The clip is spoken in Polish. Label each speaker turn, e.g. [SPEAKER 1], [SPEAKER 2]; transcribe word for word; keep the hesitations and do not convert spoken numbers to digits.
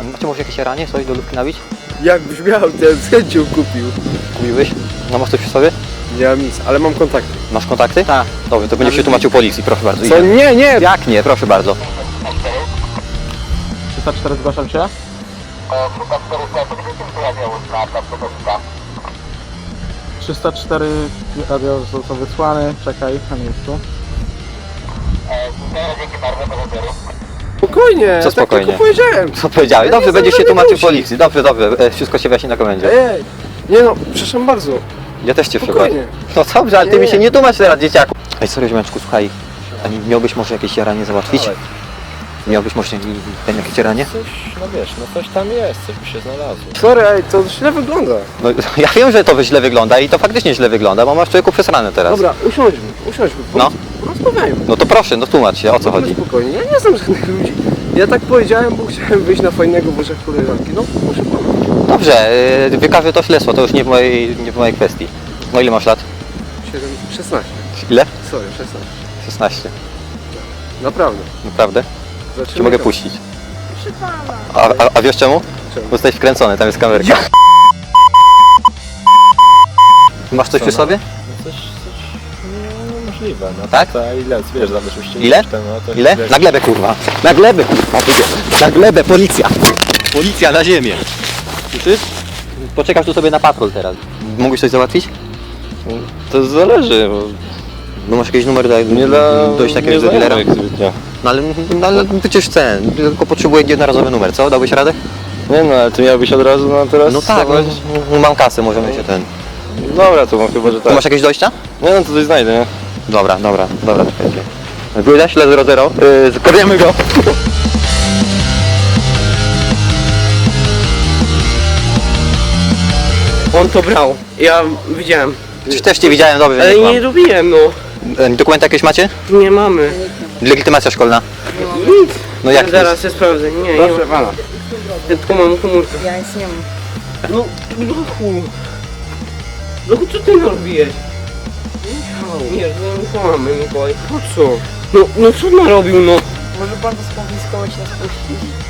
[SPEAKER 1] Macie może jakieś jaranie, coś do lubki nabić?
[SPEAKER 2] Jakbyś miał, to ja z chęcią kupił.
[SPEAKER 1] Kupiłbyś? No masz coś przy sobie?
[SPEAKER 2] Nie mam nic, ale mam kontakty.
[SPEAKER 1] Masz kontakty? Tak. Dobrze, to będziesz się tłumaczył policji, proszę bardzo.
[SPEAKER 2] Co?
[SPEAKER 1] Idziemy.
[SPEAKER 2] Nie, nie!
[SPEAKER 1] Jak nie, proszę bardzo.
[SPEAKER 3] trzysta cztery zgłaszam się. trzysta cztery radio został wysłany, czekaj na miejscu.
[SPEAKER 2] Spokojnie,
[SPEAKER 1] Co spokojnie?
[SPEAKER 2] tak tylko powiedziałem.
[SPEAKER 1] Co powiedziałeś?
[SPEAKER 2] Ja
[SPEAKER 1] Dobrze,
[SPEAKER 2] nie
[SPEAKER 1] będziesz się
[SPEAKER 2] znam
[SPEAKER 1] tłumaczył
[SPEAKER 2] żadnej
[SPEAKER 1] policji. Dobrze, dobrze, e, wszystko się wyjaśni na komendzie.
[SPEAKER 2] Ej, nie no, przepraszam bardzo.
[SPEAKER 1] Ja też cię
[SPEAKER 2] Spokojnie.
[SPEAKER 1] przepraszam. No dobrze, ale ty
[SPEAKER 2] Nie.
[SPEAKER 1] mi się nie tłumacz teraz, dzieciaku. Ej, sorry, ziomeczku, słuchaj. A nie miałbyś może jakieś jaranie załatwić? Miałbyś może ten jakieś jaranie?
[SPEAKER 4] Coś, no wiesz, no coś tam jest, coś by się znalazło.
[SPEAKER 2] Sorry, ej, to źle wygląda.
[SPEAKER 1] No ja wiem, że to źle wygląda i to faktycznie źle wygląda, bo masz człowieku przesrane teraz.
[SPEAKER 2] Dobra, usiądźmy, usiądźmy.
[SPEAKER 1] No.
[SPEAKER 2] Rozmawiajmy.
[SPEAKER 1] No to proszę, no tłumacz się, o co chodzi.
[SPEAKER 2] Spokojnie, ja nie znam żadnych ludzi. Ja tak powiedziałem, bo chciałem wyjść na fajnego w oczach koleżanki. No, proszę pana.
[SPEAKER 1] Dobrze, yy, wykażę to śledztwo, to już nie w mojej, nie w mojej kwestii. No ile masz lat?
[SPEAKER 2] siedem, szesnaście.
[SPEAKER 1] Ile?
[SPEAKER 2] Sorry, szesnaście.
[SPEAKER 1] szesnaście.
[SPEAKER 2] Naprawdę.
[SPEAKER 1] Naprawdę?
[SPEAKER 2] Zaczynamy
[SPEAKER 1] Czy mogę
[SPEAKER 2] to.
[SPEAKER 1] puścić? A, a, a wiesz czemu?
[SPEAKER 2] Czemu?
[SPEAKER 1] Bo jesteś wkręcony, tam jest kamerka. Masz coś przy sobie?
[SPEAKER 4] No coś, coś, no możliwe, no.
[SPEAKER 1] Tak?
[SPEAKER 4] To, a ile, wiesz, zabezpieczyć
[SPEAKER 1] Ile?
[SPEAKER 4] Ten, no, to
[SPEAKER 1] Ile?
[SPEAKER 4] wiesz,
[SPEAKER 1] Na glebę kurwa. Na glebę kurwa. Na glebę, policja. Policja na ziemię. Słyszysz? Poczekasz tu sobie na patrol teraz. Mógłbyś coś załatwić?
[SPEAKER 4] To zależy, bo
[SPEAKER 1] No masz jakiś numer do,
[SPEAKER 4] nie dla...
[SPEAKER 1] dojść
[SPEAKER 4] nie
[SPEAKER 1] jakiegoś do dealera?
[SPEAKER 4] znajomych zbytnio.
[SPEAKER 1] No ale, no, ale przecież chcę, tylko potrzebuję jednorazowy numer, co? Dałbyś radę?
[SPEAKER 4] Nie no, ale ty miałbyś od razu na teraz...
[SPEAKER 1] No tak, no,
[SPEAKER 4] stawać?
[SPEAKER 1] no, mam kasę, możemy się ten...
[SPEAKER 4] Dobra, to mam chyba, że
[SPEAKER 1] Tu
[SPEAKER 4] tak.
[SPEAKER 1] masz jakieś dojścia?
[SPEAKER 4] Nie no, to coś znajdę, nie?
[SPEAKER 1] Dobra, dobra, dobra, czekajcie. Góra, śled zero zero, yy, zkorniemy go.
[SPEAKER 5] On to brał. Ja widziałem.
[SPEAKER 1] Przecież też cię widziałem, dobrze,
[SPEAKER 5] Ale
[SPEAKER 1] nie
[SPEAKER 5] nie
[SPEAKER 1] kłam.
[SPEAKER 5] robiłem, no.
[SPEAKER 1] E, Dokumenty jakieś macie?
[SPEAKER 5] Nie mamy.
[SPEAKER 1] Legitymacja szkolna?
[SPEAKER 5] Nic.
[SPEAKER 1] No jak
[SPEAKER 5] Zaraz się sprawdzę. Nie, nie
[SPEAKER 2] Proszę
[SPEAKER 5] mam.
[SPEAKER 2] pana.
[SPEAKER 5] Ja tylko mam komórkę.
[SPEAKER 6] Ja nic nie mam.
[SPEAKER 5] No, Lochu. Lochu, co ty narobiłeś? Nie, no kłamy, Mikołaj.
[SPEAKER 2] Po co?
[SPEAKER 5] No, no co narobił, no?
[SPEAKER 6] Może pan to skonfiskować i nas puścić?